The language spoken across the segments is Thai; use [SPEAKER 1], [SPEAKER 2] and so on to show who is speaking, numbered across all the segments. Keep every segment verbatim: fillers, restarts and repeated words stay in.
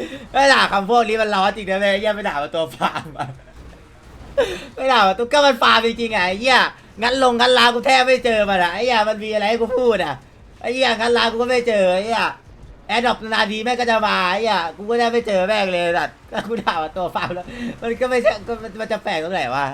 [SPEAKER 1] ไม่ด่าคำพวกนี้มันร้อนจริงนะเว้ยเหี้ยไม่ด่ามาตัวฟาร์มอะไม่ด่ามาตัวก็มันฟาร์มจริงๆไงไอ้เหี้ยงั้นลงงั้นลากูแทบไม่เจอมันอะไอ้เหี้ยมันมีอะไรให้กูพูดอะไอ้เหี้ยงั้นลากูก็ไม่เจอไอ้เหี้ยแอดดอกนาทีแม่งก็จะมาไอ้เหี้ยกูก็ได้ไม่เจอแม่งเลยสัตว์ก็กูด่ามาตัวฟาร์มแล้วมันก็ไม่ใช่ก็มันจะแปลกตรงไหนวะ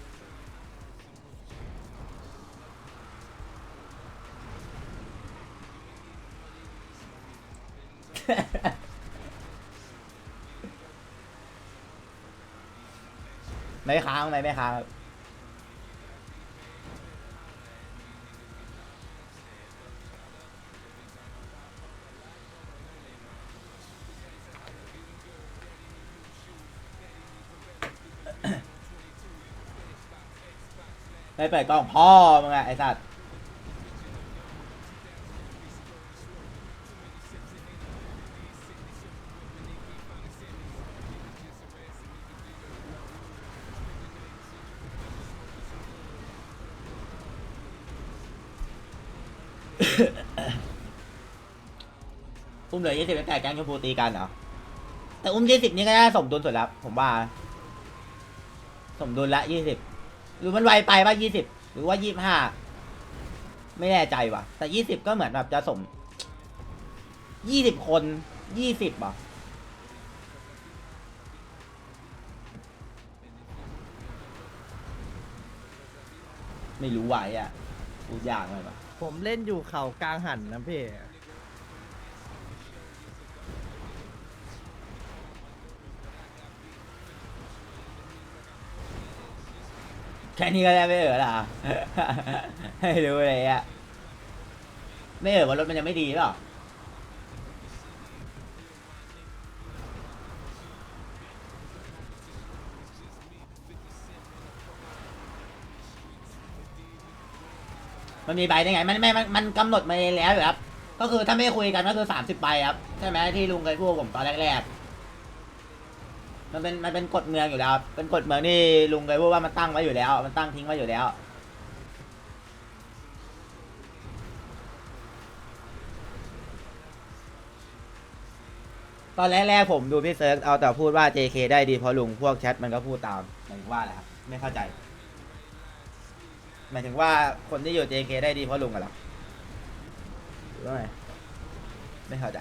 [SPEAKER 1] ไม่ค้างไม่ไม่ค้างครับไม่เปิดกล้องพ่อมึงอะไอ้สัตว์อุ้มเหลือยี่สิบตั้งแต่แก๊งชมพูตีกันเหรอแต่อุ้มยี่สิบนี่ก็ได้สมดุลสุดแล้วผมว่าสมดุลละยี่สิบหรือมันไวไปป่ะยี่สิบหรือว่ายี่สิบห้าไม่แน่ใจว่ะแต่ยี่สิบก็เหมือนแบบจะสมยี่สิบคนยี่สิบอ่ะไม่รู้ไหวอ่ะพูดยากเลยป่ะ
[SPEAKER 2] ผมเล่นอยู่เขากลางหันนะพี่
[SPEAKER 1] แค่นี้ก็ได้ไม่เออละ ให้รู้เลยอ่ะไม่เออว่ารถมันยังไม่ดีหรอมันมีใบได้ไงมันไม่มันมันกำหนดมาแล้วอยู่ครับก็คือถ้าไม่คุยกันก็คือสามสิบใบครับใช่ไหมที่ลุงเคยพูดผมตอนแรกๆมันเป็นมันเป็นกฎเมืองอยู่แล้วครับเป็นกฎเมืองที่ลุงเคยพูดว่ามันตั้งไว้อยู่แล้วมันตั้งทิ้งไว้อยู่แล้วตอนแรกๆผมดูพี่เซิร์ฟเอาแต่พูดว่า เจ เค ได้ดีเพราะลุงพวกแชทมันก็พูดตามหมายถึงว่าอะไรครับไม่เข้าใจหมายถึงว่าคนที่อยู่ เจ เค ได้ดีเพราะลุงอะเหรอหรือว่าไงไม่เข้าใจ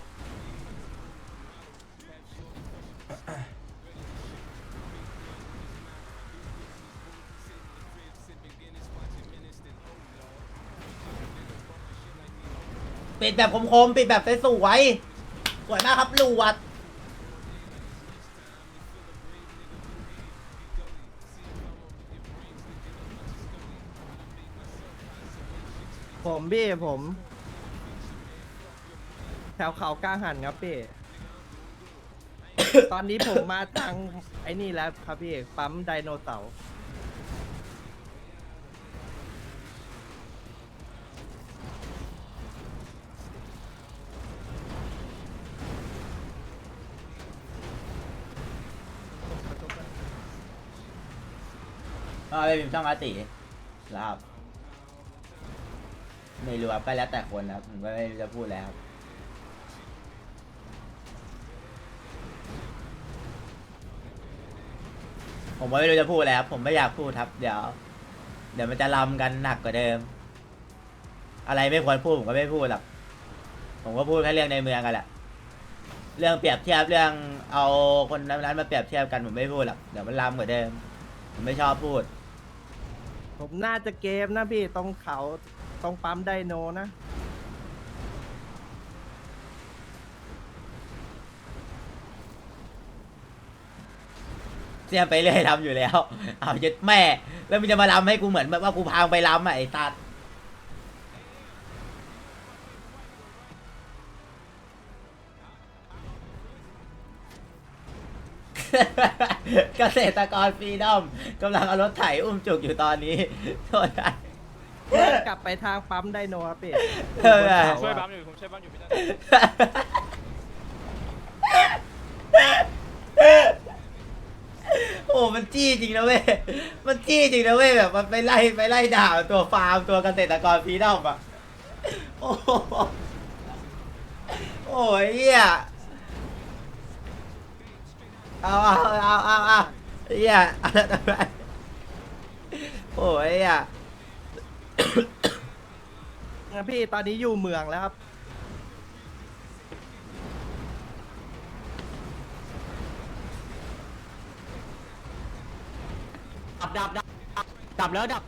[SPEAKER 1] ปิดแบบคมๆปิดแบบสวยๆสวยมากครับลูวัด
[SPEAKER 2] ผมพี่ผม แถวเขากลางหันครับพี่ ตอนนี้ผมมาทางไอ้นี่แล้วครับพี่ ปั๊มไดโนเสาร์
[SPEAKER 1] ก็ไปพิมพ์ช่องอาติแล้วครับไม่รู้ครับก็แล้วแต่คนนะครับผมก็ไม่รู้จะพูดแล้วครับผมก็ไม่รู้จะพูดแล้วครับผมไม่อยากพูดครับเดี๋ยวเดี๋ยวมันจะลำกันหนักกว่าเดิมอะไรไม่ควรพูดผมก็ไม่พูดหรอกผมก็พูดแค่เรื่องในเมืองกันแหละเรื่องเปรียบเทียบเรื่องเอาคนนั้นมาเปรียบเทียบกันผมไม่พูดหรอกเดี๋ยวมันลำกว่าเดิมผมไม่ชอบพูด
[SPEAKER 2] ผมน่าจะเกมนะพี่ตรงเขาตรงปั๊มไดโนนะ
[SPEAKER 1] เสียไปเรื่อยลำอยู่แล้วเอาเจ็ดแม่แล้วมันจะมาลำให้กูเหมือนแบบว่ากูพางไปลำอ่ะไอ้ตัด เกษตรกรฟรีดอมกำลังเอารถไถอุ้มจุกอยู่ตอนนี้โทษนะ
[SPEAKER 2] กลับไปทางปั๊มไดโนครับพี่
[SPEAKER 1] เออ
[SPEAKER 2] ผม
[SPEAKER 3] ช่วย
[SPEAKER 2] บ
[SPEAKER 3] บั
[SPEAKER 2] น
[SPEAKER 3] มอยู่ผมช่วยบัมอยู่พี่ตั้น
[SPEAKER 1] โอ้มันจี้จริงนะเว้ยมันจี้จริงนะเว้ยแบบมันไปไล่ไปไล่ด่าตัวฟาร์มตัวเกษตรกรฟรีดอมอ่ะโอ้โหโอ้ยเหี้ยเอาเอาเอาเอาเอาไอ้เหี้ยโอ้ยอ่ะ
[SPEAKER 2] งั้นพี่ตอนนี้อยู่เมืองแล้วครับ
[SPEAKER 4] ดับดับดับดับแล้วดับ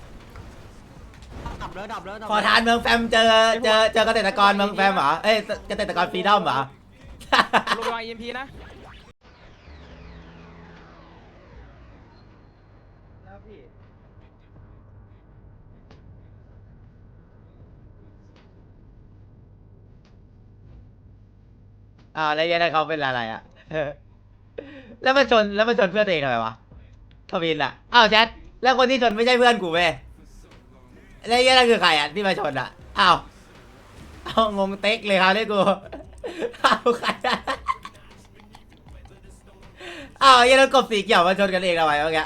[SPEAKER 4] ดับแล้วดับแล้วดับ
[SPEAKER 1] ขอทานเมืองแฟมเจอเจอเจอเกษตรกรเมืองแฟมเหรอเอ้ยเกษตรกรฟรีดอมเหรอ
[SPEAKER 3] ลงไปวาง อี เอ็ม พี นะ
[SPEAKER 2] แล้วพี่
[SPEAKER 1] อ่าวแล้วยันเขาเป็นอะไรอ่ะ แล้วมันชนแล้วมันชนเพื่อนตัวเองทำไมวะทวินอ่ะอ้าวแชทแล้วคนที่ชนไม่ใช่เพื่อนกูเว้ยแล้วยันนั่นคือใครอ่ะที่มาชนอ่ะอ้าวเอางงเต็กเลยครับเนี่ยกูอ้าวใครอะอ้าวยันนั่นกบสีเขียวมาชนกันเองทำไมวะแก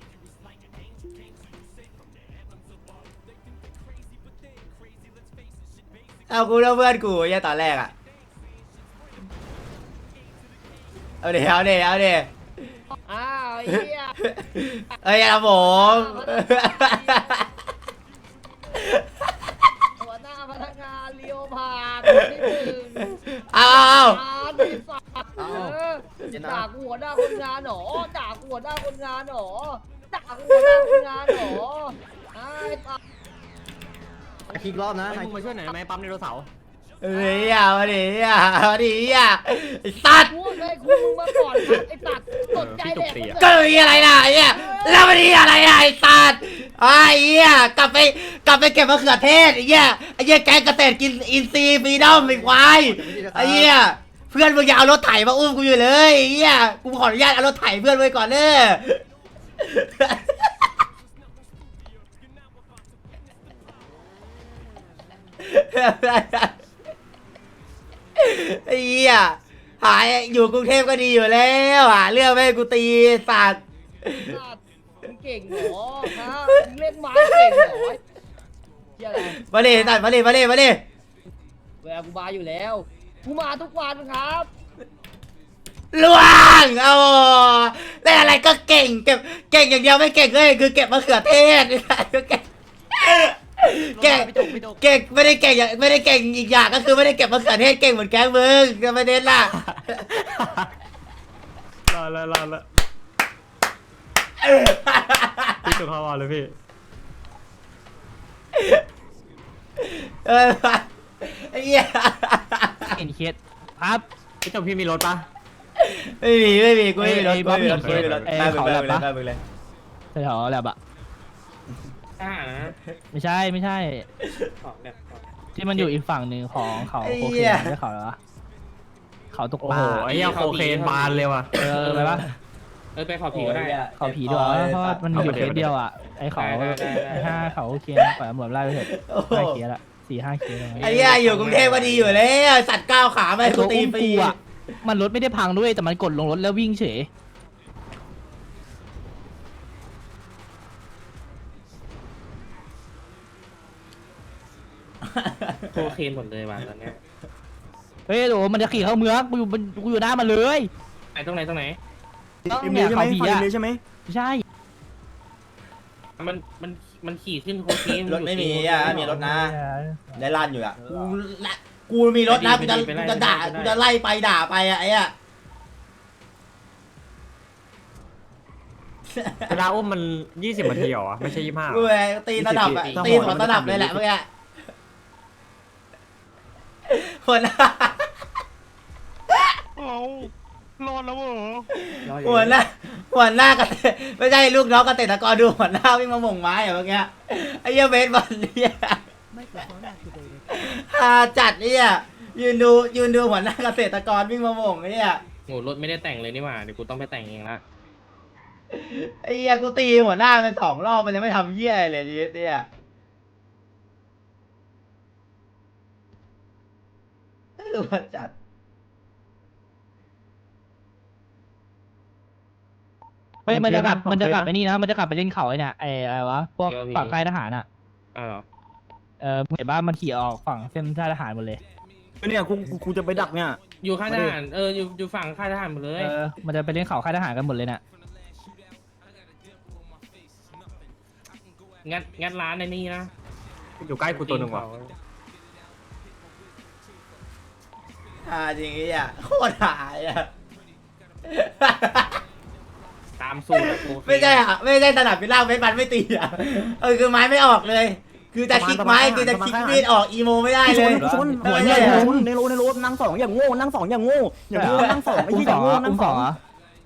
[SPEAKER 1] เอากูแล้วเพื่อนกูยันตอนแรกอ่ะเอาเดี๋ยวเอาเดี๋ยวเอาเดี๋ยว
[SPEAKER 5] อ้าวไอ้เหี้ย
[SPEAKER 1] เอ้ยครับผม
[SPEAKER 5] หัวหน้าพนักงานเลียวผ่านคนที่หนึ่ง
[SPEAKER 1] เอาเอา
[SPEAKER 5] อ่านที่สัตว์เออด่ากูหัวหน้าคนงานหนอด่ากูหัวหน้าคนงานหนอด่ากูหัวหน้าคนงานหนอไอ้สัตว์
[SPEAKER 2] อีกรอบนะ
[SPEAKER 4] ให้มึงมาช่วยหน่อยไหมปั๊มไดโนเสาร์
[SPEAKER 1] เฮ้ยอ่ะมาดิอ่ะมาดิอ่ะไอ้สัตว์
[SPEAKER 5] พูดเลยคุณมึงมาก่อนครับไอ้สัตว์สนใจแดกมัน
[SPEAKER 1] ก็มีอะไรล่ะไอ้เนี่ยแล้วมาดิอะไรอ่ะไอ้สัตว์ไอ้เหี้ยกลับไปกลับไปเก็บมะเขือเทศไอ้เหี้ยไอ้เหี้ยแกงเกษตรกินอินทรีย์ฟรีดอมไอ้ควายไอ้เหี้ยเพื่อนมึงอย่าเอารถไถมาอุ้มกูอยู่เลยไอ้เหี้ยกูขออนุญาตเอารถไถเพื่อนไว้ก่อนเด้อ ไอ้เหี้ยหายอยู่กรุงเทพก็ดีอยู่แล้วหาเรื่องไม่ให้กูตีสัตว์
[SPEAKER 5] สัตว์มึงเก่งเหรอฮะมึงเล่นไม้เก่งเหรอเหี้ยอะไร
[SPEAKER 1] มาดิสัตว์มาดิมาดิมาดิ
[SPEAKER 5] เวลากูมาอยู่แล้วกูมาทุกวันครับ
[SPEAKER 1] ล่วงเอาได้อะไรก็เก่งเก็บเก่งอย่างเดียวไม่เก่งเลยคือเก็บมะเขือเทศไอ้สัตว์ก็เก่งเก่ง
[SPEAKER 4] พี่จกพี่จก
[SPEAKER 1] เก่งไม่ได้เก่งอย่างไม่ได้เก่งอีกอย่างก็คือไม่ได้เก็บมะเขือเทศเก่งเหมือนแก๊งมึงก็ไม่เน้นล่ะ
[SPEAKER 3] รอแล้วรอแล้วพี่จกเขาอ่ะเลยพี่
[SPEAKER 1] เออไอ้เหี้ย
[SPEAKER 6] เห็นเคสครับ
[SPEAKER 4] พี่จกพี่มีรถปะ
[SPEAKER 1] ไม่มีไม่มีกูไม่มีรถ
[SPEAKER 6] ไอ้
[SPEAKER 1] กูไม่มีรถ
[SPEAKER 6] ไอ้
[SPEAKER 1] กูไม่มีรถ
[SPEAKER 6] ไอ้
[SPEAKER 1] ได้มึง
[SPEAKER 6] เขา
[SPEAKER 1] ได้
[SPEAKER 6] แลบ
[SPEAKER 1] มึงเลย
[SPEAKER 6] ปะ
[SPEAKER 1] ได้มึงเลย
[SPEAKER 6] แถวๆแลบอะ
[SPEAKER 3] อ่า
[SPEAKER 6] ไม่ใช่ไม่ใช่
[SPEAKER 3] ของเนี่ย
[SPEAKER 6] ที่มันอยู่อีกฝั่งหนึ่งของเขา
[SPEAKER 1] ไอ้
[SPEAKER 6] โค
[SPEAKER 1] เหี้
[SPEAKER 6] เคน
[SPEAKER 1] ย
[SPEAKER 6] ไม่ใช่เขาเหรอวะเขาตก
[SPEAKER 4] โอ้
[SPEAKER 6] ปลา
[SPEAKER 4] โหไอ้เหี้ยโคเคนบานเลยว่ะ
[SPEAKER 6] เออไปปะ
[SPEAKER 3] เออไปขอผีก็ได้
[SPEAKER 6] เขาผีด้วยวะเพราะว่ามันมีอยู่เคสเดียวอะไอ้เขา
[SPEAKER 3] ได้ได้ได้
[SPEAKER 6] ไอ้ห้าเขาโอเคปล่อยตำรวจไล่ไปเถอะ
[SPEAKER 1] โอ้โห
[SPEAKER 6] ห้าเคสละสี่ห้าเคสอะไร
[SPEAKER 1] ไอ้เหี้ยอยู่กรุงเทพก็ดีอยู่แล้วสัตว์ก้าวขาไม่
[SPEAKER 6] ไอ้
[SPEAKER 1] ให้กู
[SPEAKER 6] ตัว
[SPEAKER 1] ตี
[SPEAKER 6] อุ้ม
[SPEAKER 1] ฟรี
[SPEAKER 6] กูอะมันรถไม่ได้พังด้วยแต่มันกดลงรถแล้ววิ่งเฉย
[SPEAKER 3] โคเคนหมดเลยว่ะตอนเนี้ย
[SPEAKER 6] เฮ้ยโหมันจะขี่เข้าเมืองกูอยู่มันกูอยู่หน้ามันเลย
[SPEAKER 3] ไหนตรงไหนตรงไหน
[SPEAKER 6] เนี่ยเขาผีอะไม่ใช่
[SPEAKER 3] มันมันมันขี่ขึ้นโคเคน
[SPEAKER 1] รถไม่มีอ่ะมีรถนะได้ลั่นอยู่อ่ะกูละกูมีรถนะกูจะกูจะด่ากูจะไล่ไปด่าไปอ่ะไอ้อะ
[SPEAKER 4] เวลาอุ้มมันยี่สิบนาทีเหรอวะไม่ใช่ยี่สิบห้า
[SPEAKER 1] กูเลยตีระดับอ่ะตีหัวระดับเลยแหละเมื่อกี้หัวหน้า
[SPEAKER 3] เอารอดแล้วเหรอ
[SPEAKER 1] หัวหน้าหัวหน้ากันไม่ใช่ลูกน้องเกษตรกรดูหัวหน้าวิ่งมาหม่งไม้อ่ะเมื่อกี้ไอ้เหี้ยเบสบอลเนี่ยฮาจัดเนี่ยยืนดูยืนดูหัวหน้าเกษตรกรวิ่งมาหม่งเนี่ย
[SPEAKER 3] โหรถไม่ได้แต่งเลยนี่หว่าเดี๋ยวกูต้องไปแต่งเองละ
[SPEAKER 1] ไอ้เหี้ยกูตีหัวหน้ามันสองรอบมันยังไม่ทำเหี้ยอะไรเลยเนี่ยดูมันจัด
[SPEAKER 6] เฮ้ยมันจะกลับมันจะกลับไปนี่นะมันจะกลับไปเล่นเขาไอ้เนี่ยไอ้อะไรวะพวกฝั่งค่ายทหารอ่ะ
[SPEAKER 3] อ้าวเหรอ
[SPEAKER 6] เออเห็นว่ามันขี่ออกฝั่งเส้นค่ายทหารหมดเลย
[SPEAKER 7] เนี่ยกูกูจะไปดักเนี่ย
[SPEAKER 3] อยู่ค่ายทหารเอออยู่อยู่ฝั่งค่ายทหารหมดเลย
[SPEAKER 6] เออมันจะไปเล่นเขาค่ายทหารกันหมดเลยน่ะ
[SPEAKER 3] งัดงัดร้านในนี่นะ
[SPEAKER 4] อยู่ใกล้กูตัวหนึ่งว่ะ
[SPEAKER 1] อ่าจริงไอ้เหี้ยโคตรหายอ่ะ
[SPEAKER 3] ตามสูตรอะโอเค
[SPEAKER 1] ไม่ใช่อ่ะไม่ใช่สนับเป็นล่างไม่ปันไม่ตีอ่ะเออคือไม้ไม่ออกเลย คือจะคลิกไม้คือจะคลิกมีดออกอีโมไม่ได้เลย
[SPEAKER 7] ชนหัวเนี่ยชนในโลในโลนั่งสองอย่างโง่นั่งสองอย่างโง่อย่างโง่นั่งสองไอ้
[SPEAKER 6] อุ้ม
[SPEAKER 7] ที่
[SPEAKER 6] ส
[SPEAKER 7] อ
[SPEAKER 6] อย่าง
[SPEAKER 7] โง่
[SPEAKER 6] อ่ะ
[SPEAKER 7] นั่
[SPEAKER 6] อุ้
[SPEAKER 7] ง
[SPEAKER 6] ม
[SPEAKER 7] ส
[SPEAKER 6] ส
[SPEAKER 7] อ
[SPEAKER 6] อง งอ่ะ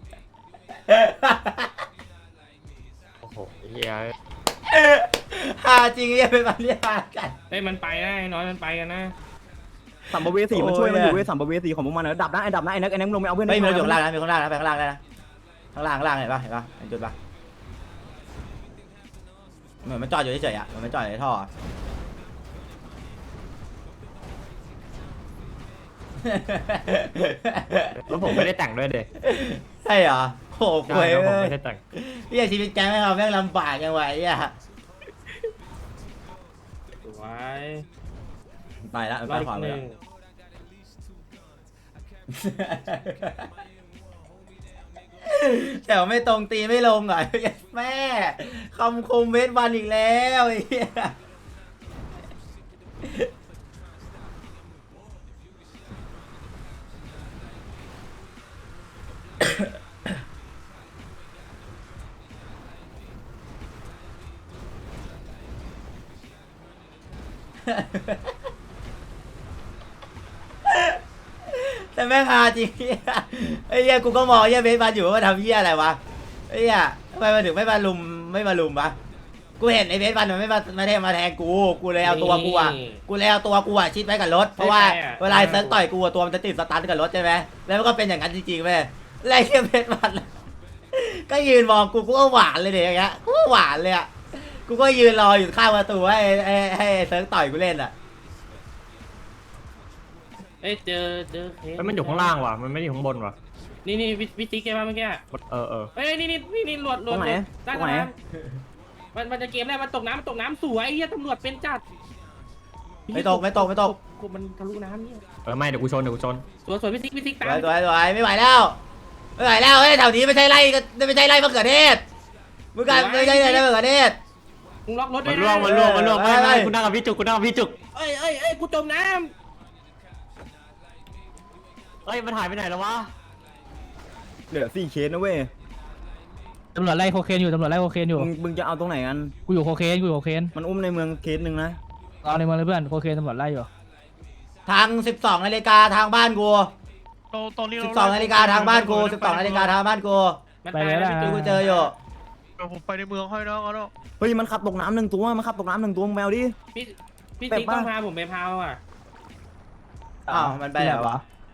[SPEAKER 4] โอ้โหเฮีย
[SPEAKER 1] หาจริงไอ้เหี้ยเป็นปันเรียกมากัน
[SPEAKER 3] เอ้ยมันไปนะไอ้น้อยมันไปกันนะ
[SPEAKER 7] สัมภเวสีมันช่วยมันอยู่เว้ยสัมภเวสีของพวกมันนะดับนะไอ้ดับนะไอ้นักไอ้นักลงไปเอาเพื่อน
[SPEAKER 1] ไม่มีรถอยู่ข้างล่างนะมีข้างล่างนะไปข้างล่างได้นะข้างล่างข้างล่างเห็นปะเห็นปะเห็นจุดปะเหมือนมันจอดอยู่เฉยๆอ่ะเหมือนมันจอดอยู่ในท่อ
[SPEAKER 4] แล้วผมไม่ได้แต่งด้วยเด็ก
[SPEAKER 1] ใช่เหรอโอ้โห
[SPEAKER 4] ใช่
[SPEAKER 1] คุย
[SPEAKER 4] แล้วผม
[SPEAKER 1] เลย
[SPEAKER 4] ไม่ได้แต่ง
[SPEAKER 1] พี่ชีวิตแกไม่เอาแม่งลำบากยังไงอ่ะ
[SPEAKER 3] สวย
[SPEAKER 1] ไปละมัน
[SPEAKER 3] ร
[SPEAKER 1] ไป
[SPEAKER 3] อบ
[SPEAKER 1] ขวา
[SPEAKER 3] ห
[SPEAKER 1] ไป
[SPEAKER 3] นึ่
[SPEAKER 1] แล้
[SPEAKER 3] ง
[SPEAKER 1] วแต่ว่าไม่ตรงตีไม่ลงอ่ะ แม่คำคมเวทวันอีกแล้วไอ้เหี้ยแต่แม่งฮาจริงไอ้เหี้ยกูก็มองไอ้เหี้ยเบสมาอยู่ว่าทำเหี้ยอะไรวะไอ้เหี้ยทำไมมันถึงไม่มาลุมไม่มาลุมวะกูเห็นไอ้เบสมันมันไม่มามาแทงมาแทงกูกูเลยเอาตัวกูอ่ะกูเลยเอาตัวกูอ่ะชิดไว้กับรถเพราะว่าเวลาเซิร์ฟต่อยกูอะตัวมันจะติดสตาร์ทกับรถใช่ไหมแล้วมันก็เป็นอย่างนั้นจริงๆเว้ยแล้วไอ้เหี้ยเบสมันก็ยืนมองกูกูก็หวานเลยเดี๋ยวอย่างเงี้ยกูก็หวานเลยอ่ะกูก็ยืนรออยู่ข้างประตูให้ให้ให้เซิร์ฟต่อยกูเล่นอ่ะ
[SPEAKER 3] เอ้ยเจอเจอเคส
[SPEAKER 4] แล้วมันอยู่ข้างล่างว่ะมันไม่ได้อยู่ข้างบนว่ะ
[SPEAKER 3] นี่นี่วิวิติกแกมาเมื่อกี้
[SPEAKER 4] เออเออ
[SPEAKER 3] เอ้ยนี่นี่นี่นี่หลวดหล
[SPEAKER 7] ตร
[SPEAKER 3] วด
[SPEAKER 7] งไหน
[SPEAKER 3] ใต้
[SPEAKER 7] ตรงไหน
[SPEAKER 3] น้ำมันมันจะเกมแรกมันตกน้ำมันตกน้ำสวยไอ้เหี้ยตำรวจเป็นจัด
[SPEAKER 1] ไม่ตกไม่ตกไม่ตก
[SPEAKER 3] กูมันทะลุน้ำเนี่ย
[SPEAKER 4] เออไม่เดี๋ยวกูชนเดี๋ยวกูชน
[SPEAKER 3] สวยสวยวิติกวิติก
[SPEAKER 1] ส
[SPEAKER 3] ตาม
[SPEAKER 1] วยสวยสวยไม่ไหวแล้วไม่ไหวแล้วเฮ้ยแถวนี้ไม่ใช่ไร่ก็ไม่ใช่ไร่มะเขือเทศมึงกันไม่ใช่ไร่มะเขือเทศ
[SPEAKER 3] มึงล็อกรถด้
[SPEAKER 4] มั
[SPEAKER 3] วย
[SPEAKER 4] น
[SPEAKER 3] นะ
[SPEAKER 4] ล่วงมันล่วงมันล่วง
[SPEAKER 1] เออ
[SPEAKER 4] ไม่
[SPEAKER 1] ไป
[SPEAKER 4] ไม่
[SPEAKER 1] ไป
[SPEAKER 4] กูนั่งกับพี่จุกกูนั่งกับพี่จุก
[SPEAKER 3] เอ้ยเอ้ยเอ้ยกูจมน้
[SPEAKER 4] เอ้ยมันหายไปไหนแล้ววะ
[SPEAKER 7] เหลือสี่เคสนะเว้ย
[SPEAKER 6] ตำรวจไล่โคเคนอยู่ตำรวจไล่โคเคนอยู่
[SPEAKER 7] มึงมึงจะเอาตรงไหนกัน
[SPEAKER 6] กูอยู่โคเคนกูอยู่โคเคน
[SPEAKER 7] มันอุ้มในเมืองเคสหนึ่งนะ
[SPEAKER 6] รอในเมืองเลยเพื่อนโคเคนตำรวจไล่อยู่
[SPEAKER 1] ทางสิบสองนาฬิกาทางบ้านกู
[SPEAKER 8] ตรงตรงนี้
[SPEAKER 1] สิบสองนาฬิกาทางบ้านกูสิบสองนาฬิกาทางบ้านกู
[SPEAKER 3] ำมันตายแล้ว
[SPEAKER 1] ที่กูเจออยู่
[SPEAKER 8] เดี๋ยวผมไปในเมืองให้นะเอาเนาะ
[SPEAKER 7] เฮ้ยมันขับตกน้ำหนึ่งตัวมันขับตกน้ำหนึ่งตัวมึงแมวดิ
[SPEAKER 3] พี่พี่
[SPEAKER 7] แบบ
[SPEAKER 3] ติ๊ก
[SPEAKER 7] ว่า
[SPEAKER 3] ต้องพาผมไปพาวอ่ะ
[SPEAKER 1] อ้าวมันไปไหนวะ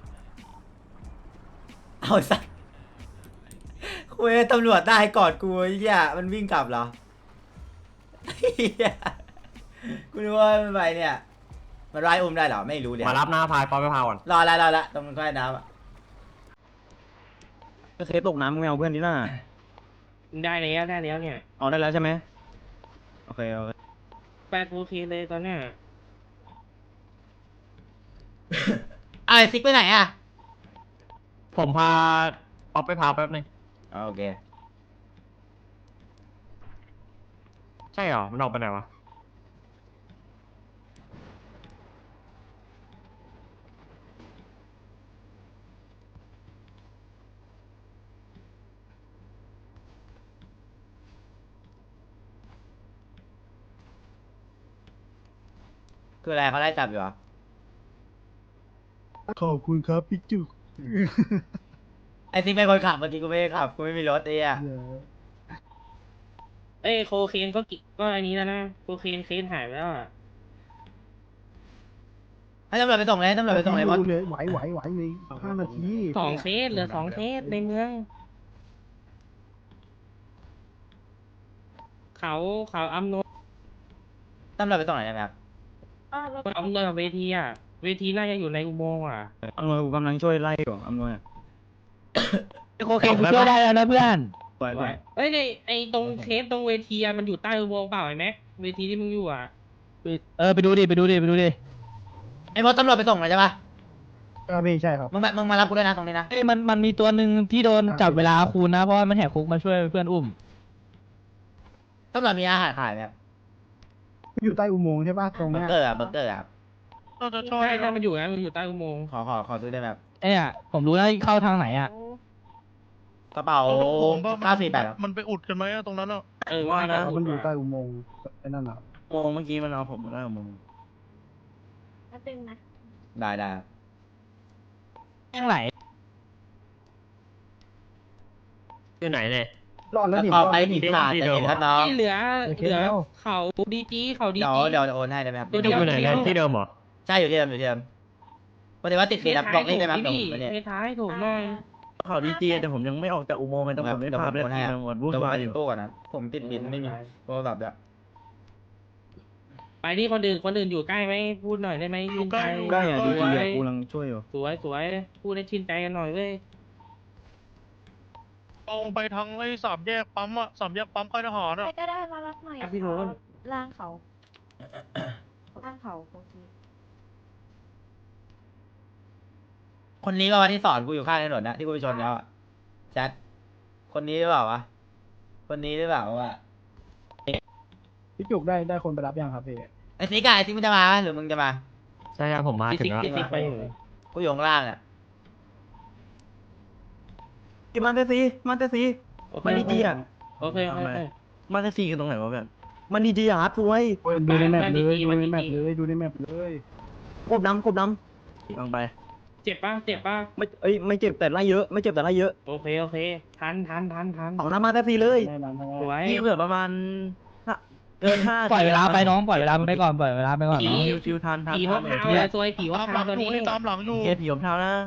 [SPEAKER 1] เอาสักคุยตำรวจได้ก่อนกูไอ้เหี้ยมันวิ่งกลับเหรอเหี้ยกูรู้ว่ามันไปเนี่ยมันไล่อุ้มได้เหรอไม่รู้เดี๋ยว
[SPEAKER 4] มารับหน้าพายปอไปพาก่อน
[SPEAKER 1] รอละรอละตรงใต้น้ำอะ
[SPEAKER 7] ก็เคสตกน้ำมึงแมวเพื่อนดิน่า
[SPEAKER 3] ได้แล้วได้แล้วเนี่ย
[SPEAKER 7] เอาได้แล้วใช่ไหมโอเคโอเค
[SPEAKER 3] แปดโอเคเลยตอนเนี้ย
[SPEAKER 1] เอาไอ้ซิกไปไหนอะ
[SPEAKER 4] ผมพาป๊อปไปพาแป๊บนึง
[SPEAKER 1] โอเค
[SPEAKER 4] ใช่เหรอมันออกไปไหนวะ
[SPEAKER 1] คืออะไรเขาไล่จับอยู่เหรอ
[SPEAKER 8] ขอบคุณครับพี่จุก
[SPEAKER 1] ไอ้ซิกเป็นคนขับเมื่อกี้กูไม่ได้ขับกูไม่มีรถไอ้อะ
[SPEAKER 3] เอ้ยโคเคนก็กิก็อันนี้แล้วนะโคเคนเคนหายไปแล้วอ่ะ
[SPEAKER 1] ให้ตำรวจไปส่งเลยให้ตำรวจไปส่งเลยบอส
[SPEAKER 8] เลยไหวไหวไหวในห้านาที
[SPEAKER 3] สองเคสเหลือสองเคสในเมือง เขาเขาอำนวย
[SPEAKER 1] ตำรวจไปส่งไหนได้ไหมครับ
[SPEAKER 3] อำนวยกับเวทีอ่ะเวทีน่าจะอยู่ในอุโมงค์อ่ะ
[SPEAKER 7] อำนวยกูกำลังช่วยไล่อยู่อำนวย
[SPEAKER 6] โคเคนกูช่วยได้แล้วนะเพื่อน
[SPEAKER 7] ปล่อยปล่อย
[SPEAKER 3] เอ้ยไอไอตรงเคสตรงเวทีอ่ะมันอยู่ใต้อุโมงค์เปล่าไอ้แม็กเวทีที่มึงอยู่อ่ะ
[SPEAKER 6] เออไปดูดิไปดูดิไปดูดิ
[SPEAKER 1] ไอ้บอสตำรวจไปส่งหน่อยใช่ปะ
[SPEAKER 8] ก็พี่ใช่ครับ
[SPEAKER 1] มึงมามึงมารับกูด้วยนะตรงนี้นะ
[SPEAKER 6] เอ้ยมันมันมีตัวหนึ่งที่โดนจับเวลาคูณนะเพราะว่ามันแหกคุกมาช่วยเพื่อนอุ้ม
[SPEAKER 1] ตำรวจมีอาหารขายไหมครับ
[SPEAKER 8] อยู่ใต้อุโมงค์ใช่ป่ะตรง
[SPEAKER 1] เบอ
[SPEAKER 8] เนี้
[SPEAKER 1] ร์
[SPEAKER 8] ย
[SPEAKER 1] เกอร์อะเบอร์เกอร์อะครับ
[SPEAKER 8] เราจะช่วย
[SPEAKER 3] ใช่ใช่มันอยู่นะมันอยู่ใต้อุโมงค์
[SPEAKER 1] ขอขอขอซื้อได้ไหมครับ
[SPEAKER 6] ไอ้เนี่ยผมรู้แล้วเข้าทางไหนอ่ะ
[SPEAKER 1] กระเป๋า
[SPEAKER 8] ผมว่ามัน
[SPEAKER 1] เก้าสี่แปดครับ
[SPEAKER 8] มันไปอุดกันไหมอะตรงนั้นอะ
[SPEAKER 3] เออ
[SPEAKER 7] ว่านะ
[SPEAKER 8] มันอยู่ใต้อุโมงค์ไอ้นั่นอ่ะ
[SPEAKER 7] โมงเมื่อกี้มันเอาผมมาได้โมง
[SPEAKER 9] แล้วตึงนะ
[SPEAKER 1] ได้ได้ครับ
[SPEAKER 6] ทางไหน
[SPEAKER 4] อยู่ไหนเนี่ย
[SPEAKER 8] รอดแล้ว
[SPEAKER 1] แล้ว
[SPEAKER 8] นี่
[SPEAKER 1] ก็
[SPEAKER 8] รอด
[SPEAKER 1] ไป
[SPEAKER 8] แล้ว
[SPEAKER 1] หนี
[SPEAKER 8] นี่
[SPEAKER 1] ตลาดจะเห็นครับน้อง
[SPEAKER 3] ที่เหลือ
[SPEAKER 8] โอเค
[SPEAKER 3] เหลือ
[SPEAKER 8] แล้ว
[SPEAKER 3] เขาดีจีเขาดี
[SPEAKER 1] เดี๋ยว
[SPEAKER 3] จี
[SPEAKER 1] เดี๋ยวโอนให้ได้ไหมครับ
[SPEAKER 3] ตัวเดี
[SPEAKER 4] อยู่ไหนเนี่ยที่เดิมเหรอ
[SPEAKER 1] ใช่อยู่ที่เดิมอยู่ที่เดิมพอดีว่าติดติดครับบอกเลขได้ไหมครับเดี๋ยวผมไปเนี่ย
[SPEAKER 3] ในท้ายถูกหน่อย
[SPEAKER 7] ข่าวดีจีแต่ผมยังไม่ออกจากอุโมงค์ไงต้องผมไม่
[SPEAKER 1] เดี๋ยว
[SPEAKER 7] พา
[SPEAKER 1] ผม
[SPEAKER 7] ไป
[SPEAKER 1] โอนให้ครับ
[SPEAKER 7] มันวุ่น
[SPEAKER 1] เดี๋ยวผม
[SPEAKER 7] วาย
[SPEAKER 1] ไป
[SPEAKER 7] อยู่
[SPEAKER 1] ตู้ก่อนนะผมติดบินไม่มีโทรศัพท์เดี๋ยว
[SPEAKER 3] ไปที่คนอื่นคนอื่นอยู่ใกล้ไหมพูดหน่อยได้ไหม
[SPEAKER 8] อยู่ใกล้
[SPEAKER 3] ชิน
[SPEAKER 7] ใกล้อ่ะ
[SPEAKER 3] ส
[SPEAKER 7] ดี
[SPEAKER 3] ว
[SPEAKER 7] จี
[SPEAKER 3] ย
[SPEAKER 7] อ่ะกูกำลังช่วยอยู่
[SPEAKER 3] สวยสวยพูดให้ชินใจกันหน่อยเว้ย
[SPEAKER 8] ตรงไปทางไอ้สามแยกปั๊มอะสามแยกปั๊มค่ายทหาร
[SPEAKER 9] ใคร
[SPEAKER 8] อะ
[SPEAKER 9] ก็ได้มารับหน่อย
[SPEAKER 3] อ่ะพี่โรน
[SPEAKER 9] ล่างเขาล่างเขาโอเค
[SPEAKER 1] คนนี้ก็วันที่สอนกูอยู่ข้างถนนนะที่กูไปชนเขาอะแชทคนนี้หรือเปล่าวะคนนี้หรือเปล่าวะ
[SPEAKER 8] พี่จุกได้ได้คนไปรับยังครับพี่
[SPEAKER 1] ไอ้ซิกอะไอ้ซิกมึงจะมาปะหรือมึงจะมา
[SPEAKER 4] ใช่ครับผมมา
[SPEAKER 3] พี่
[SPEAKER 4] ถึ
[SPEAKER 3] ซิก
[SPEAKER 4] งแล้ว
[SPEAKER 3] พี่ซิกไปอยู่
[SPEAKER 1] กูอยู่ข้างล่างอะ
[SPEAKER 7] ที่มันเตซีมันเตซี
[SPEAKER 3] โอเค
[SPEAKER 7] มันดีจีอ่ะ
[SPEAKER 3] โอเคโอเค
[SPEAKER 7] มันเตซีกันตรงไหนวะแบบมันดีจีอ่ะครับช่วย
[SPEAKER 8] ดูในแมปเลย
[SPEAKER 3] มั
[SPEAKER 8] ดู
[SPEAKER 3] นดี
[SPEAKER 8] ในแมป
[SPEAKER 3] ๆ
[SPEAKER 8] เลยดูในแมปเลย
[SPEAKER 7] กบดำกบดำลองไป
[SPEAKER 3] เจ็บป่ะเจ็บป่ะ
[SPEAKER 7] ไม่เอ้ยไม่เจ็บแต่ไล่เยอะไม่เจ็บแต่ไล่เยอะ
[SPEAKER 3] โอเคโอเคทันทันทันทัน
[SPEAKER 7] สองน้ำมาเตซีเลย
[SPEAKER 8] แน่นอนทั้ง
[SPEAKER 3] สวย
[SPEAKER 7] นี่เหลือประมาณห้าเกินห้า
[SPEAKER 6] ปล่อยเวลาไปน้องปล่อยเวลาไปก่อนปล่อยเวลาไปก่อน
[SPEAKER 3] ผี
[SPEAKER 6] น้อง
[SPEAKER 7] ฟิวฟิวทันทัน
[SPEAKER 3] ผี
[SPEAKER 7] ทั
[SPEAKER 3] ว่าน พาวเลยซวยผีว่า
[SPEAKER 8] ตามห
[SPEAKER 3] พา
[SPEAKER 8] ลั
[SPEAKER 3] ว
[SPEAKER 8] ง
[SPEAKER 3] ตัว
[SPEAKER 8] อยู่
[SPEAKER 3] นี้
[SPEAKER 8] นี่ตามหลังอยู่
[SPEAKER 7] เคผีผมเท้านะ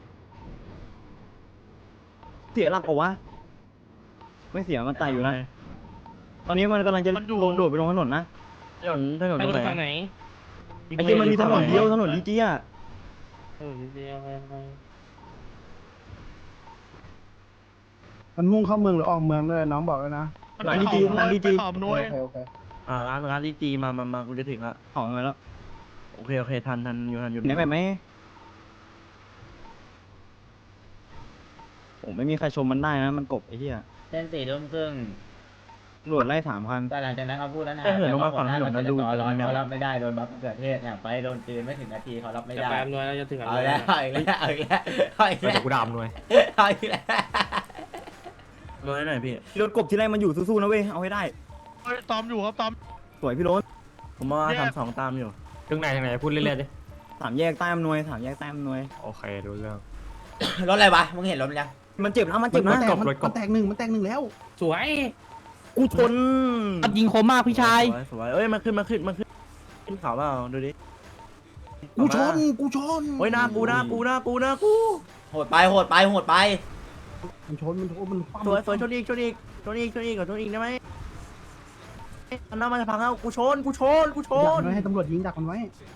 [SPEAKER 7] เสียหลักเหรอวะไม่เสียมันตายอยู่นะตอนนี้มันกำลังจะลงโดดไปลงถนนนะถนนถนน
[SPEAKER 3] ไป
[SPEAKER 7] ตรง
[SPEAKER 3] รถ
[SPEAKER 7] ไหน
[SPEAKER 3] ฝั่งไหน
[SPEAKER 7] ไอ้ที่มันมีถนนเดียวถนนดีจีอ่ะ
[SPEAKER 3] เออเดียวไปไป
[SPEAKER 8] มันมุ่งเข้าเมืองหรือออกเมืองด้วยน้องบอกแล้วนะ มันไปข่าวมันไปข่าวมันโอด้วยเคโอเค
[SPEAKER 7] อ่าร้านร้านดีจีมามามากูจะถึงละของอะไรแล้วโอเคโอเคทันทันอยู่ทันอยู่ไหนแบบไหมผมไม่มีใครชมมันได้นะมันกบไอ้เหี้ย
[SPEAKER 1] เส้นสี่ทุ่มครึ่ง
[SPEAKER 7] ตำรวจไล่สามพัน
[SPEAKER 1] แต่หลังจากนั้นเขาพูดแล้วนะ
[SPEAKER 7] เอ้ยเหินลงมาฝั่งถนนนะดู
[SPEAKER 1] ร้อนเขารับไม่ได้โดนบัฟเกิดเหตุเนี่ยไปโดนจืนไม่ถึงนาทีเขารับไม่
[SPEAKER 3] จะ
[SPEAKER 1] ได้
[SPEAKER 3] ไปอำนวยเราจะถึงอำน
[SPEAKER 1] เอา
[SPEAKER 3] วย
[SPEAKER 1] แล้วเอาอีกแล้วเอาอีกแล้วเอาอีก
[SPEAKER 4] เดี๋
[SPEAKER 1] แล้ว
[SPEAKER 4] ยวกูดำหน่วย
[SPEAKER 1] เอาอีกแล้ว
[SPEAKER 7] รถหน่อยพี่รถกบที่ไรมันอยู่สู้ๆนะเว้ยเอาให้ได้
[SPEAKER 8] เฮ้ยตามอยู่ครับตาม
[SPEAKER 7] สวยพี่รถผมมา
[SPEAKER 8] แยก
[SPEAKER 7] สามสองตามอยู่
[SPEAKER 4] ถึงไหนถึงไหนพูดเรื่อยๆดิ
[SPEAKER 7] สามแยกใต้อำนวยสามแยกใต้อำนวย
[SPEAKER 4] โอเครู้เรื่อง
[SPEAKER 1] รถอะไรวะมึงเห็นรถมันยัง
[SPEAKER 7] มันเจ็บนะมัน
[SPEAKER 8] เจ็
[SPEAKER 7] เจ็
[SPEAKER 8] บบ มัน
[SPEAKER 7] นะ
[SPEAKER 8] แตกมันมันแตกหนึ่งมันแตกหนึ่งแล้ว
[SPEAKER 3] สวย
[SPEAKER 7] กูชน
[SPEAKER 6] ยิงคมมากพี่ชาย
[SPEAKER 7] สวยสวยเอ้ยมันขึ้นมาขึ้นมาขึ้นขึ้นเขาเปล่าดูดิ
[SPEAKER 8] กูชนกูชน
[SPEAKER 7] เฮ้ยหน้ากูหน้ากูหน้ากูหน้ากู
[SPEAKER 1] โหดไปโหดไปโหดไป
[SPEAKER 8] มันชนมันชนมันคว่ำ
[SPEAKER 7] สวยสวยชนอีกชนอีกชนอีกชนอีกก่อนชนอีกได้ไหมมันน่ามันจะพังแล้วกูชนกูชนกูช
[SPEAKER 8] ดัก
[SPEAKER 7] น
[SPEAKER 8] มันไว้ให้ตำรวจยิงดักมันไว้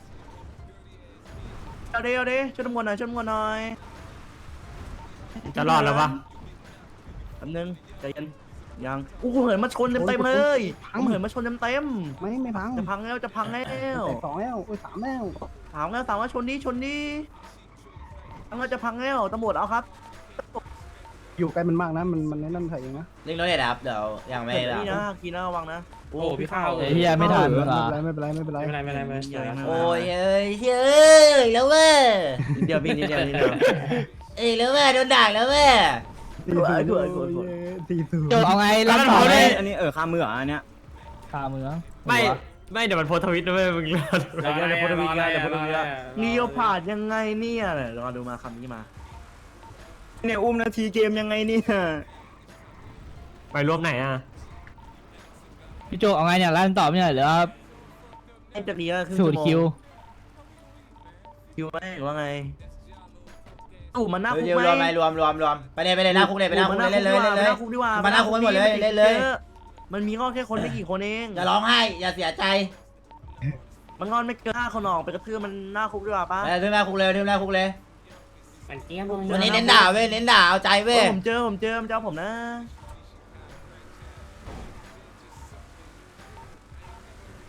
[SPEAKER 7] เอาดิเอาดิช่วยตำรวจหน่อยช่วยตำรวจหน่อย
[SPEAKER 4] จะรอดแล้วปะ
[SPEAKER 7] แป๊บนึงใจเย็นยังกูเหินมาชนเต็มเต็มๆเลยกูเหินมาชนเต็มเต็ม
[SPEAKER 8] ไม่ไม่พัง
[SPEAKER 7] ๆจะพังแล้วจะพังแล้ว
[SPEAKER 8] แตกสองแล้วโอ้ยสามแล้ว
[SPEAKER 7] ถามแล้วถามว่าชนนี้ชนนี้พังแล้วจะพังแล้วตำรวจเอาครับ
[SPEAKER 8] อยู่ใกล้มันมากนะมันมันนั่นใส่เองนะ
[SPEAKER 1] ลิงรถเนี่ยนะครับเดี๋ยวยังไม่
[SPEAKER 7] เดี๋ยว
[SPEAKER 1] แบบ
[SPEAKER 7] นี่นะกีน่าระวังนะ
[SPEAKER 3] โอ้โหพี่ข้าว
[SPEAKER 6] ไอ้เหี้ยไม่ทัน
[SPEAKER 8] ไม่
[SPEAKER 6] เหรอ
[SPEAKER 8] เป็นไรไม่เป็นไรไม่เป็นไร
[SPEAKER 3] ไม่เป็นไรไม่เป็นไรไม่เป็นไร
[SPEAKER 1] โอ้ยเอ้ยเอ้ยแล้วเว้ย
[SPEAKER 7] นิดเดียวพี่นิดเดียวนิดเดียว
[SPEAKER 1] เอ้ยแล้วเว้ยโดนด่าแล้วเว้ย
[SPEAKER 8] สี่ศูนย์
[SPEAKER 7] สวยสวยสวย
[SPEAKER 8] สี่ศูนย์
[SPEAKER 6] โจเอาไงรับต่อไหม
[SPEAKER 7] อันนี้เออคามือเหรออันเนี้ย
[SPEAKER 6] คาเมือง
[SPEAKER 4] ไม่ไม่เดี๋ยวมันโพสต์ทวิตนะเว้ยมึงรอดู
[SPEAKER 7] เดี๋ยวเดี๋ยวพูดทวีตนะเดี๋ยวพูดทวีตนะเลียวผ่านยังไงเนี่ยเดี๋ยวรอดูมาคำนี้มาเนี่ยอุ้มนาทีเกมยังไงเนี่ย
[SPEAKER 4] ไปรวมไหนอ่ะ
[SPEAKER 6] พี่โจเอาไงเนี่ยลั่นตอบเนี่ยหรือว่า
[SPEAKER 7] ไอ้จะดีก็คือ
[SPEAKER 6] สูตรคิว
[SPEAKER 7] คิวไหมหรือว่าไงตู่มันหน้าคุก
[SPEAKER 1] เดี๋ยว
[SPEAKER 7] ไหม
[SPEAKER 1] รวมไหมรวมรวมรวมไปเลยไปเลยหน้าคุกเลยไปหน้าคุกเลยเล่นเลยเล่นเลย
[SPEAKER 7] หน้าคุกดีกว่า
[SPEAKER 1] มาหน้าคุกกันหมดเลยเล่นเลย
[SPEAKER 7] มันมีงอนแค่คนไม่กี่คนเอง
[SPEAKER 1] อย่าร้องไห้อย่าเสียใจ
[SPEAKER 7] มันงอนไม่เกินห้าคนออกไปกระทืบมันหน้าคุกดีกว่าปะ
[SPEAKER 1] ไปถึงหน้าคุกเลยถึงหน้าคุกเลย
[SPEAKER 3] มันเจี๊ยบ
[SPEAKER 1] วันนี้เน้นด่าเว้ยเน้นด่าเอาใจเว้ย
[SPEAKER 7] ผมเจอผมเจอมันเจ้าผมนะ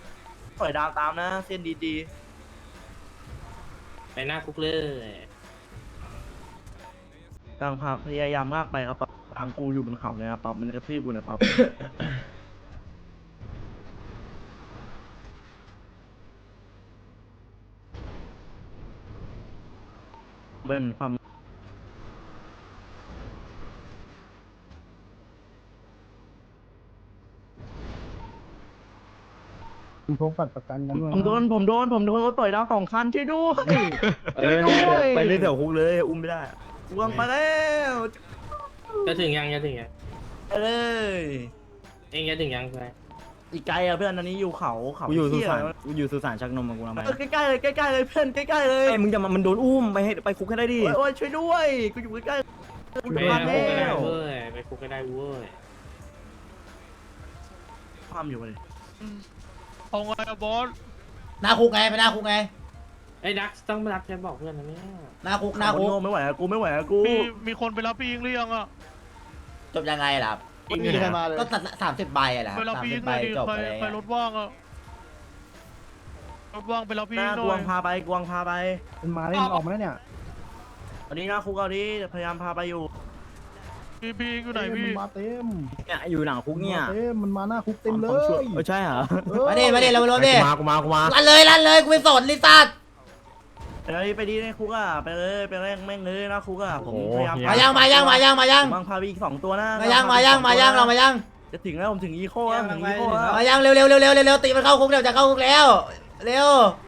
[SPEAKER 7] ปล่อยดาวตามนะเส้นดี
[SPEAKER 3] ไปหน้าคุกเลย
[SPEAKER 7] ๆ
[SPEAKER 2] กลางพาพยายามมากไปครับปั๊บทางกูอยู่บนเขาเลยครับปั๊บมันกระทืบกูนะปั๊บ เบิ้ลความ
[SPEAKER 8] มึงพกบัตรประกันกันด้วย
[SPEAKER 2] ผมโดนผมโดนผมโดนรถต่อยดาวสองคันช่วยด้วย
[SPEAKER 7] เออไปเล่นแถวคุกเลยอุ้มไม่ได้
[SPEAKER 2] วงไปแล้ว
[SPEAKER 3] จะถึงยังจะถึงยัง
[SPEAKER 2] ไปเลย
[SPEAKER 3] เองจะถึงยังไง
[SPEAKER 2] อีกไกลอะเพื่อนอันนี้อยู่เขาเขา
[SPEAKER 7] กูอยู่สุ
[SPEAKER 2] เหี้
[SPEAKER 7] สานกูอยู่สุสานชักนมมากูทำไม
[SPEAKER 2] เออใกล้ๆเลยใกล้ๆเลยเพื่อนใกล้ๆเลย
[SPEAKER 7] ไอ้มึงจะมามันโดนอุ้มไปให้ไปคุกให้ได้ดิ
[SPEAKER 2] โอ้ยโอ้ยช่วยด้วยกูอยู่ใกล้ๆกูอ
[SPEAKER 3] ไป
[SPEAKER 2] ยู่บ้าน
[SPEAKER 3] คุกก็ได้
[SPEAKER 2] แล้ว
[SPEAKER 3] เว้ยไปคุกก็ได้เว้ย
[SPEAKER 2] ความอยู่เลย
[SPEAKER 4] เอาไงอะบอส
[SPEAKER 1] หน้าคุกไงไปหน้าคุกไง
[SPEAKER 3] ไอ้ดักต้องมารักจะบอกเพื่อนนะเนี่ย
[SPEAKER 1] หน้าคุกหน้าคุก
[SPEAKER 2] โง่ไม่ไหวอะกูไม่ไหวอะกู
[SPEAKER 4] มีมีคนไปรับพี่ยิงหรือยังอะ
[SPEAKER 1] จบยังไงล่ะ
[SPEAKER 8] ไม่มีใครมาเลย
[SPEAKER 1] ก็ตัดสามสิบใบอะแหละ
[SPEAKER 4] ไปรับ
[SPEAKER 1] สาม
[SPEAKER 4] พี่
[SPEAKER 1] สิ
[SPEAKER 4] ยิ
[SPEAKER 1] บ
[SPEAKER 4] ง
[SPEAKER 1] ใบ
[SPEAKER 4] หน่อยดิ
[SPEAKER 1] จบ
[SPEAKER 4] ใคร
[SPEAKER 1] อะไร
[SPEAKER 4] ใครร
[SPEAKER 1] เงี้ย
[SPEAKER 4] ถว่างอะรถว่างไปรับพี่
[SPEAKER 2] ห
[SPEAKER 4] ยิ
[SPEAKER 2] น้าง
[SPEAKER 4] ห
[SPEAKER 2] ก
[SPEAKER 4] น่
[SPEAKER 2] ว
[SPEAKER 4] อง ย
[SPEAKER 2] พาไปกวงพาไป
[SPEAKER 8] มันมาได้มันออกมาแล้วเนี่ย
[SPEAKER 2] อันนี้หน้าคุกเอาดิพยายามพาไปอยู่
[SPEAKER 4] พี่พี่ยิงอยู่ไหน
[SPEAKER 8] เอ้ย
[SPEAKER 4] พี่
[SPEAKER 8] มันมาเต็ม
[SPEAKER 7] เนี่ยอยู่หลังคุกเนี่ย
[SPEAKER 8] เต็มมันมาหน้าคุกเต็มเล
[SPEAKER 7] ความชั่วย เออใช่เหรอ
[SPEAKER 8] เออ
[SPEAKER 1] มาดิมาดิเราไปรถดิ
[SPEAKER 4] มากูมากูมา
[SPEAKER 1] ลั่นเลยลั่นเลยกูไม่สนลิซ่า
[SPEAKER 2] ไปเลยไปดีในคุกอะไปเลยไปแม่งแม่งเลยหน้าคุกอะผมพยายาม
[SPEAKER 1] มายังมายังมายังมายัง
[SPEAKER 2] บางพาไปอีกสองตัวนะ
[SPEAKER 1] มายังมายังมายังเรามายัง
[SPEAKER 2] จะถึงแล้วผมถึงอีโคแล้วถึงอีโคแล้ว
[SPEAKER 1] มายังเร็วเร็วเร็วเร็วเร็วตีมันเข้าคุกเดี๋ยวจะเข้าคุกแล้วเร็ว